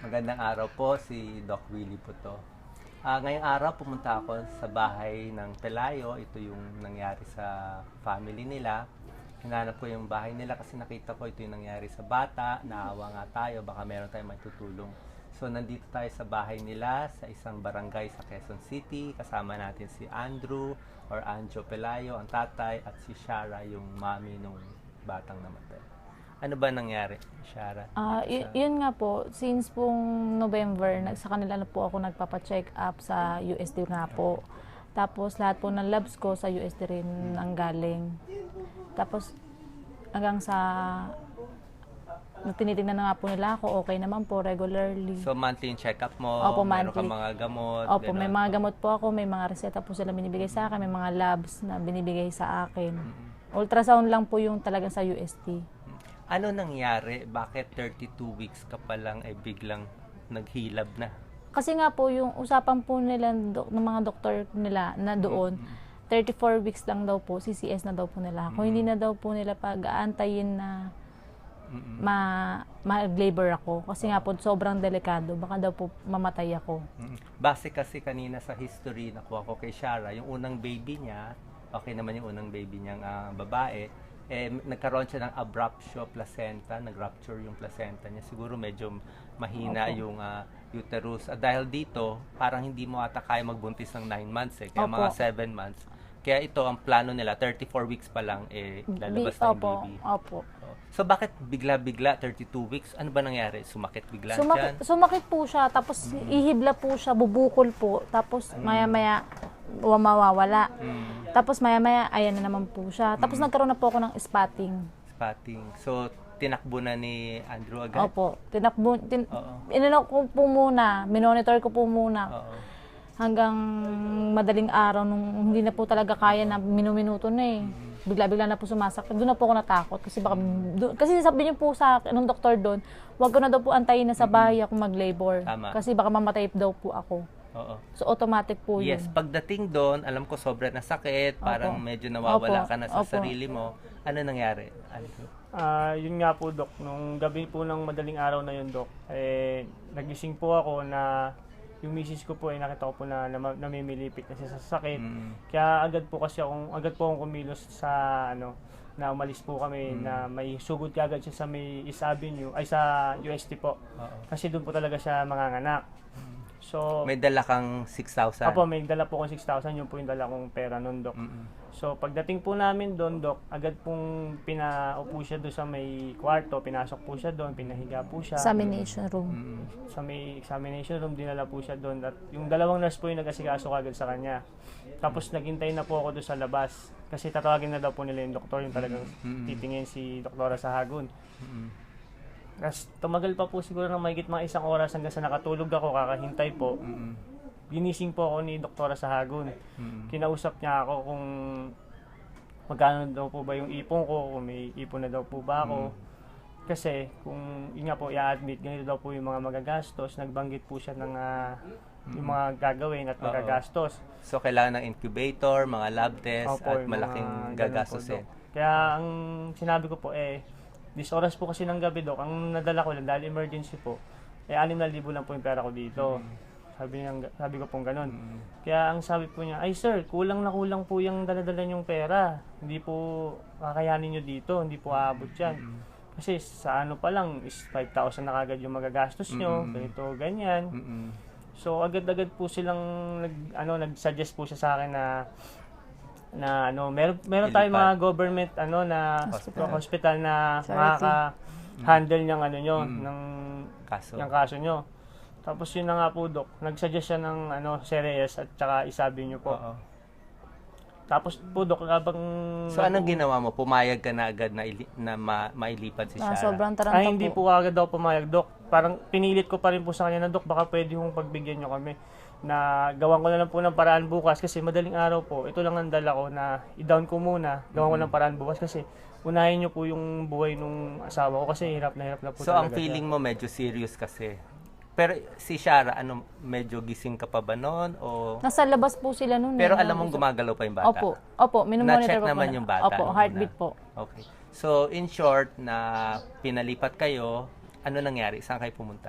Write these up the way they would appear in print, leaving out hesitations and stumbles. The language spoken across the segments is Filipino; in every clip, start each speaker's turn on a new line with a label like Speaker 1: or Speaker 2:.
Speaker 1: Magandang araw po, si Doc Willie po to. Ngayong araw pumunta ako sa bahay ng Pelayo. Ito yung nangyari sa family nila. Hinanap ko yung bahay nila kasi nakita ko ito yung nangyari sa bata. Naawa nga tayo, baka meron tayong matutulong. So nandito tayo sa bahay nila sa isang barangay sa Quezon City. Kasama natin si Andrew or Anjo Pelayo, ang tatay, at si Shara, yung mami nung batang namatay. Ano ba nangyari, Shara?
Speaker 2: Yun nga po, since pong November, sa kanila na po ako nagpapa-check up sa USD nga po. Tapos lahat po ng labs ko sa USD rin ang galing. Tapos hanggang sa tinitingnan na nga po nila ako, okay naman po regularly.
Speaker 1: So monthly yung check-up mo?
Speaker 2: Opo,
Speaker 1: meron
Speaker 2: monthly.
Speaker 1: ka mga gamot?
Speaker 2: Opo,
Speaker 1: Ganun.
Speaker 2: may mga gamot po ako, may mga reseta po sila binibigay sa akin, may mga labs na binibigay sa akin. Ultrasound lang po yung talagang sa UST.
Speaker 1: Ano nangyari? Bakit 32 weeks ka pa lang ay biglang naghilab na?
Speaker 2: Kasi nga po yung usapan po nila ng mga doktor nila na doon, 34 weeks lang daw po, CCS na daw po nila. Kung hindi na daw po nila pag-aantayin na mag-labor ako. Kasi nga po sobrang delikado, baka daw po mamatay ako.
Speaker 1: Base kasi kanina sa history nakuha ko kay Shara, yung unang baby niya, okay naman yung unang baby niyang babae, nagkaroon siya ng abruptio placenta, nag-rupture yung placenta niya. Siguro medyo mahina yung uterus. At dahil dito, parang hindi mo ata kaya magbuntis ng 9 months kaya mga 7 months. Kaya ito, ang plano nila, 34 weeks pa lang, lalabas na yung baby.
Speaker 2: Opo.
Speaker 1: So, bakit bigla-bigla, 32 weeks? Ano ba nangyari? Sumakit bigla siya?
Speaker 2: Sumakit po siya, tapos ihibla po siya, bubukol po, tapos maya-maya mawawala. Tapos maya-maya, ayan na naman po siya. Tapos nagkaroon na po ako ng spotting.
Speaker 1: Spotting. So, tinakbo na ni Andrew agad?
Speaker 2: Opo. Inano ko po muna, minonitor ko po muna. Hanggang madaling araw, nung hindi na po talaga kaya na minuminuto na eh. Bigla-bigla na po sumasakit. Doon na po ako natakot. Kasi sabi niyo po sa akin, nung doktor doon, huwag ko na daw po antayin na sa bahay ako mag-labor.
Speaker 1: Tama.
Speaker 2: Kasi baka mamatay daw po ako.
Speaker 1: Oo.
Speaker 2: So, automatic po yun.
Speaker 1: Yes, pagdating doon, alam ko sobra na sakit, parang medyo nawawala ka na sa sarili mo. Ano nangyari, Andrew?
Speaker 3: Yun nga po, Dok. Nung gabi po ng madaling araw na yun, Dok, nagising po ako na yung misis ko po nakita ko po na namimilipit na siya sa sakit. Kaya agad po akong kumilos sa na umalis po kami na may sugod kagad siya sa may East Avenue, ay sa UST po. Kasi doon po talaga siya manganganak. So,
Speaker 1: May dala kang 6,000?
Speaker 3: Apo, may dala po akong 6,000, yun po yung dala kong pera nun, Dok. So, pagdating po namin doon, Dok, agad pong pinaupo siya doon sa may kwarto, pinasok po siya doon, pinahiga po siya.
Speaker 2: Examination room.
Speaker 3: Sa may examination room, dinala po siya doon. At yung dalawang nurse po yung nag-asikaso agad sa kanya. Tapos, naghintay na po ako doon sa labas. Kasi tatawagin na daw po nila yung doktor, yung talagang titingin si Doktora Sahagun. Tapos tumagal pa po siguro ng mahigit mga 1 oras hanggang sa nakatulog ako, kakahintay po. Ginising po ako ni Doktora Sahagun. Kinausap niya ako kung magkano daw po ba yung ipon ko, kung may ipon na daw po ba ako. Kasi kung yun nga po, i-admit, ganito daw po yung mga magagastos. Nagbanggit po siya ng yung mga gagawin at magagastos.
Speaker 1: So, kailangan ng incubator, mga lab test,
Speaker 3: Opo,
Speaker 1: at
Speaker 3: yung
Speaker 1: malaking
Speaker 3: mga
Speaker 1: gagastusin.
Speaker 3: ganun po, Dok. Kaya ang sinabi ko po, this oras po kasi ng gabi, Dok, ang nadala ko lang dahil emergency po, 6,000 lang po yung pera ko dito. Sabi ko pong ganun. Kaya ang sabi po niya, ay sir, kulang na kulang po yung dala-dala niyong pera. Hindi po kakayanin niyo dito, hindi po aabot yan. Kasi sa ano pa lang, is 5,000 na kagad yung magagastos niyo, ganito, ganyan. So agad-agad po silang nag-suggest po siya sa akin na meron tayong mga government na hospital na makaka-handle ng ng kaso nyo. Tapos yun na nga po, Dok. Nag-suggest siya ng Ceres at saka isabi nyo po. Tapos po, Dok, habang
Speaker 1: So, anong ginawa mo? Pumayag ka na agad na mailipat si Shara?
Speaker 2: Sobrang taranta
Speaker 3: hindi po agad daw pumayag, Dok. Parang pinilit ko pa rin po sa kanya na, Dok, baka pwede kong pagbigyan nyo kami na gawan ko na lang po ng paraan bukas kasi madaling araw po, ito lang ang dala ko na i-down ko muna, gawan ko ng paraan bukas kasi unahin nyo po yung buhay nung asawa ko kasi hirap na po
Speaker 1: So,
Speaker 3: talaga.
Speaker 1: ang feeling mo medyo serious kasi. Pero si Shara, medyo gising ka pa ba noon? O...
Speaker 2: Nasa labas po sila noon.
Speaker 1: Pero alam mong gumagalaw pa yung bata?
Speaker 2: Opo, minumonitor
Speaker 1: Na-check
Speaker 2: ko
Speaker 1: naman
Speaker 2: po
Speaker 1: yung bata?
Speaker 2: Opo, heartbeat po.
Speaker 1: Okay. So, in short, na pinalipat kayo, ano nangyari? Saan kayo pumunta?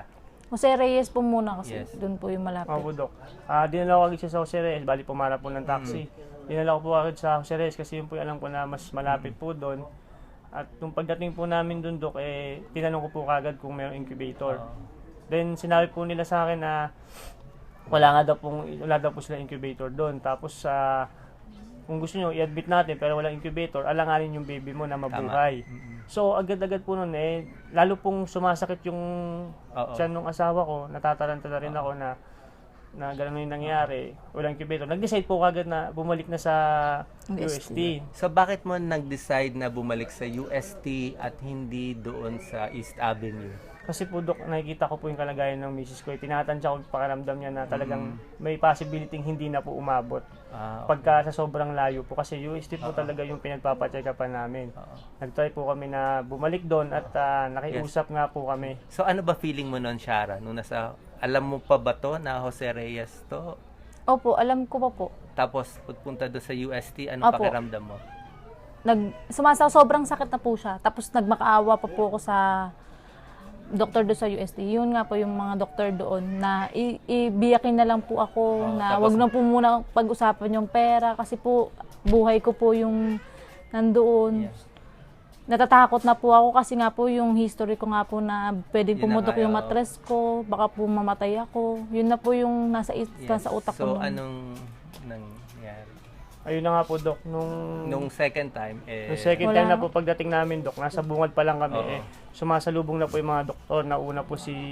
Speaker 2: Jose Reyes po muna kasi
Speaker 1: Yes.
Speaker 2: doon po yung malapit.
Speaker 3: Opo, Dok. Dinala ko agad siya sa Jose Reyes, bali pumarap po ng taxi. Dinala ko po agad sa Jose Reyes kasi yun po yung alam ko na mas malapit po doon. At nung pagdating po namin doon, Dok, tinanong ko po kagad kung mayroong incubator. Then sinabi po nila sa akin na wala daw po sila incubator doon. Tapos kung gusto nyo i-admit natin pero walang incubator, alanganin yung baby mo na mabuhay. So agad-agad po noon lalo pong sumasakit yung tiyan ng asawa ko, natataranta na rin ako na gano'n yung nangyari, walang incubator. Nag-decide po kagad na bumalik na sa UST.
Speaker 1: So bakit mo nag-decide na bumalik sa UST at hindi doon sa East Avenue?
Speaker 3: Kasi po, Dok, nakikita ko po yung kalagayan ng misis ko. Tinatansya ko yung pakiramdam niya na talagang may possibility hindi na po umabot. Pagka sa sobrang layo po. Kasi UST po talaga yung pinagpapacheck-upan namin. Nag-try po kami na bumalik doon at nakiusap nga po kami.
Speaker 1: So ano ba feeling mo noon, Shara? Nung alam mo pa ba to na Jose Reyes to?
Speaker 2: Opo, alam ko pa po.
Speaker 1: Tapos pagpunta doon sa UST, anong
Speaker 2: Opo.
Speaker 1: pakiramdam mo?
Speaker 2: Sobrang sakit na po siya. Tapos nagmakaawa pa po ako sa doktor doon sa UST. Yun nga po yung mga doktor doon na ibiyakin na lang po ako na
Speaker 1: tapos-
Speaker 2: wag na po muna pag-usapan yung pera kasi po buhay ko po yung nandoon.
Speaker 1: Yes.
Speaker 2: Natatakot na po ako kasi nga po yung history ko nga po na pwedeng
Speaker 1: Yun na
Speaker 2: pumutok
Speaker 1: nga,
Speaker 2: yung
Speaker 1: oo.
Speaker 2: matres ko, baka po mamatay ako. Yun na po yung nasa utak ko.
Speaker 1: So
Speaker 2: nun.
Speaker 1: anong nangyari?
Speaker 3: Ayun na nga po, Dok.
Speaker 1: Nung second time,
Speaker 3: Yung second
Speaker 2: Wala
Speaker 3: time na
Speaker 2: na.
Speaker 3: po pagdating namin, Dok, nasa bungad pa lang kami.
Speaker 1: Oo.
Speaker 3: Sumasalubong na po yung mga doktor. Nauna po si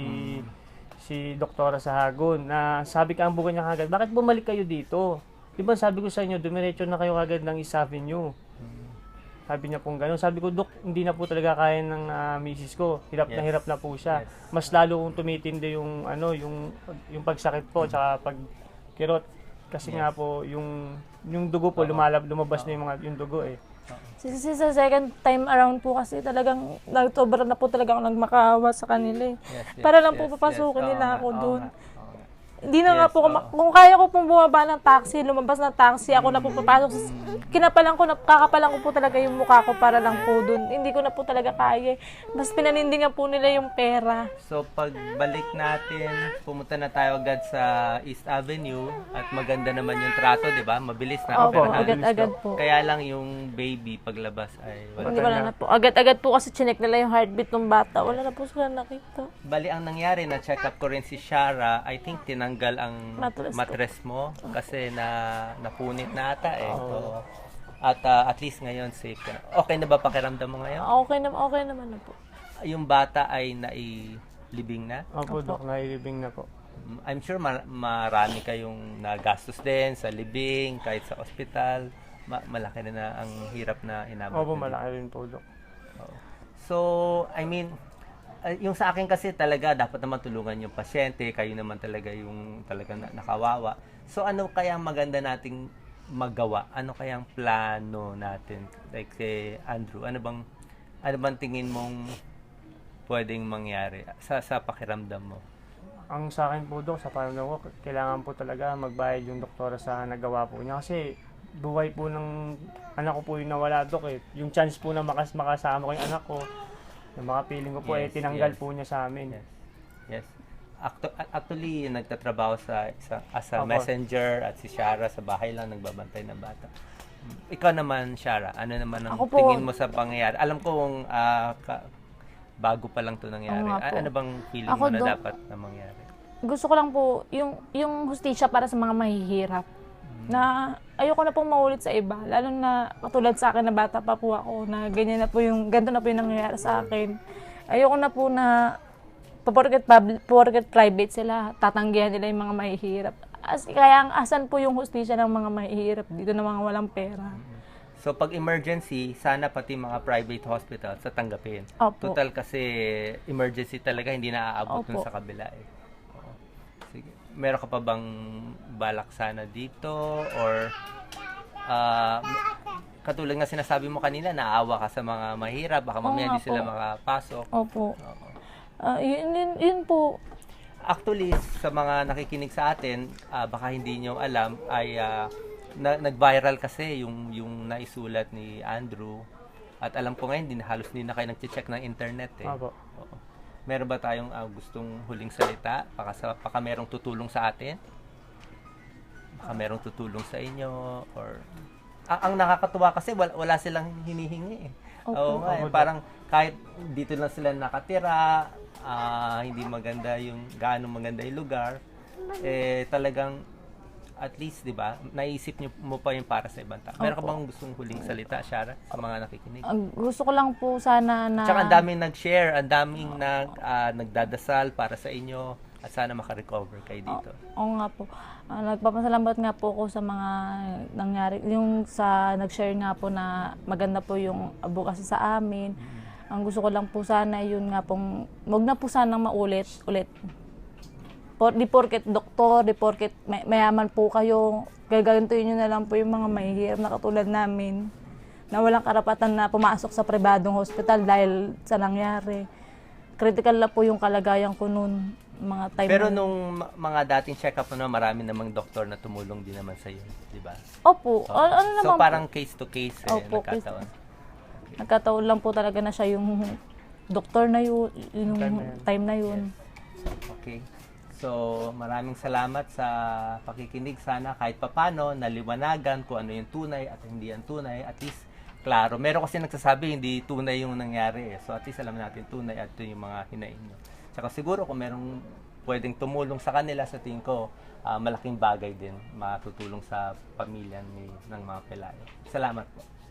Speaker 3: Doktora Sahagun na sabi ka ang bukan niya kagad, bakit bumalik kayo dito? Di ba sabi ko sa inyo, dumiretso na kayo kagad ng East Avenue. Sabi niya pong gano'n. Sabi ko, Dok, hindi na po talaga kaya ng misis ko. Hirap
Speaker 1: Yes.
Speaker 3: na po siya.
Speaker 1: Yes.
Speaker 3: Mas lalo kong tumitindi yung yung pagsakit po tsaka pagkirot. Kasi nga po yung dugo po lumabas na yung dugo eh.
Speaker 2: Sa second time around po kasi talagang sobra na po talaga ako nagmakaawa sa kanila eh.
Speaker 1: Yes,
Speaker 2: Para lang
Speaker 1: yes,
Speaker 2: po papasukin
Speaker 1: yes.
Speaker 2: nila
Speaker 1: Oo
Speaker 2: ako
Speaker 1: nga,
Speaker 2: doon.
Speaker 1: oo nga.
Speaker 2: Hindi na nga
Speaker 1: Yes,
Speaker 2: po, kung kaya ko pong bumaba ng taxi, lumabas ng taxi, ako na po papasok. Kakapalan ko po talaga yung mukha ko para lang po doon. Hindi ko na po talaga kaya. Mas pinanindingan po nila yung pera.
Speaker 1: So pagbalik natin, pumunta na tayo agad sa East Avenue at maganda naman yung trato, di ba? Mabilis na
Speaker 2: Opo,
Speaker 1: operahan.
Speaker 2: agad-agad po.
Speaker 1: Kaya lang yung baby paglabas ay
Speaker 2: Hindi
Speaker 1: wala.
Speaker 2: wala na po. Agad-agad po kasi chinek nila yung heartbeat ng bata. Wala na po sila nakita.
Speaker 1: Bali ang nangyari, na-check up ko rin si Shara, I think tinanggal ang
Speaker 2: Mattress ko.
Speaker 1: mattress mo kasi napunit na ata eh. So, at least ngayon safe ka na. Okay na ba pakiramdam mo ngayon?
Speaker 2: Okay naman na po.
Speaker 1: Yung bata ay nailibing na?
Speaker 3: Opo, Dok, nailibing na po.
Speaker 1: I'm sure marami kayong nagastos din sa libing, kahit sa ospital. Malaki na ang hirap na inabot.
Speaker 3: Opo,
Speaker 1: na din.
Speaker 3: malaki rin po, Dok.
Speaker 1: Oo. So, I mean, yung sa akin kasi talaga dapat naman tulungan yung pasyente, kayo naman talaga yung talaga nakawawa. So ano kaya maganda nating magawa? Ano kayang plano natin? Like si Andrew, ano bang tingin mong pwedeng mangyari sa pakiramdam mo?
Speaker 3: Ang sa akin po, Dok, sa paano ko, kailangan po talaga magbayad yung doktora sa nagawa po niya. Kasi buhay po ng anak ko po yung nawala, Dok eh. Yung chance po na makasama ko yung anak ko, yung mga feeling ko po
Speaker 1: Yes,
Speaker 3: tinanggal
Speaker 1: yes.
Speaker 3: po niya sa amin.
Speaker 1: Yes. Actually, nagtatrabaho as a
Speaker 3: Opo.
Speaker 1: messenger at si Shara sa bahay lang nagbabantay ng bata. Ikaw naman, Shara, ano naman ang
Speaker 2: Ako po-
Speaker 1: tingin mo sa pangyayari? Alam ko kung bago pa lang 'to nangyari.
Speaker 2: Oo nga po.
Speaker 1: Ano bang feeling
Speaker 2: Ako
Speaker 1: mo na
Speaker 2: do-
Speaker 1: dapat na mangyari?
Speaker 2: Gusto ko lang po yung hustisya para sa mga mahihirap. Na ayoko na pong maulit sa iba. Lalo na katulad sa akin na bata pa po ako na ganito na po yung nangyayari sa akin. Ayoko na po na porket private sila, tatanggihan nila yung mga mahihirap. Kaya ang asan po yung hustisya ng mga mahihirap dito na mga walang pera.
Speaker 1: So pag emergency, sana pati mga private hospital sa tanggapin.
Speaker 2: Opo.
Speaker 1: Total kasi emergency talaga hindi na aabot dun
Speaker 2: Opo.
Speaker 1: sa kabila eh. Oo. Sige. Meron ka pa bang balak sana dito or katulad nga sinasabi mo kanina, naawa ka sa mga mahirap, baka mamaya
Speaker 2: nga
Speaker 1: hindi sila
Speaker 2: po.
Speaker 1: makapasok.
Speaker 2: Opo.
Speaker 1: Oo.
Speaker 2: Yun po.
Speaker 1: Actually, sa mga nakikinig sa atin, baka hindi nyo alam, ay nag-viral kasi yung naisulat ni Andrew. At alam ko ngayon, halos hindi na kayo nag-check ng internet eh.
Speaker 3: Opo.
Speaker 1: Oo. Meron ba tayong gustong huling salita? Baka merong tutulong sa atin? Baka merong tutulong sa inyo? Or ang nakakatuwa kasi wala silang hinihingi eh. Oo nga, parang kahit dito lang sila nakatira, hindi maganda gaano maganda yung lugar, talagang at least, di ba, naisip mo pa yung para sa ibang tao. Meron ka bang gustong huling salita, Shara, sa mga nakikinig?
Speaker 2: Gusto ko lang po sana na...
Speaker 1: Tsaka ang daming nag-share, ang daming nagdadasal para sa inyo at sana makarecover kayo dito.
Speaker 2: Oo nga po. Nagpapasalamat nga po ako sa mga nangyari. Yung sa nag-share nga po na maganda po yung advocacy sa amin. Ang gusto ko lang po sana, yun nga pong, wag na po sanang ulit. Di porket doktor, di porket mayaman po kayo, gagantuin nyo na lang po yung mga mahihirap na katulad namin na walang karapatan na pumasok sa pribadong hospital dahil sa nangyari. Critical na po yung kalagayan ko noon, mga time.
Speaker 1: Pero nung mga dating check-up mo, marami namang doktor na tumulong din naman sa iyo, di ba?
Speaker 2: Opo. Ano
Speaker 1: so
Speaker 2: naman
Speaker 1: parang case to case
Speaker 2: Opo,
Speaker 1: nagkataon.
Speaker 2: Okay. Nagkataon lang po talaga na siya yung doktor na yun, yung time na yun.
Speaker 1: Yes. Okay. So, maraming salamat sa pakikinig. Sana kahit papano, naliwanagan kung ano yung tunay at hindi yung tunay. At least, klaro. Meron kasi nagsasabi, hindi tunay yung nangyari. So, at least alam natin tunay at ito yung mga hinaing nyo. Tsaka siguro kung merong pwedeng tumulong sa kanila, sa tingin ko, malaking bagay din matutulong sa pamilya ng mga Pelayo. Salamat po.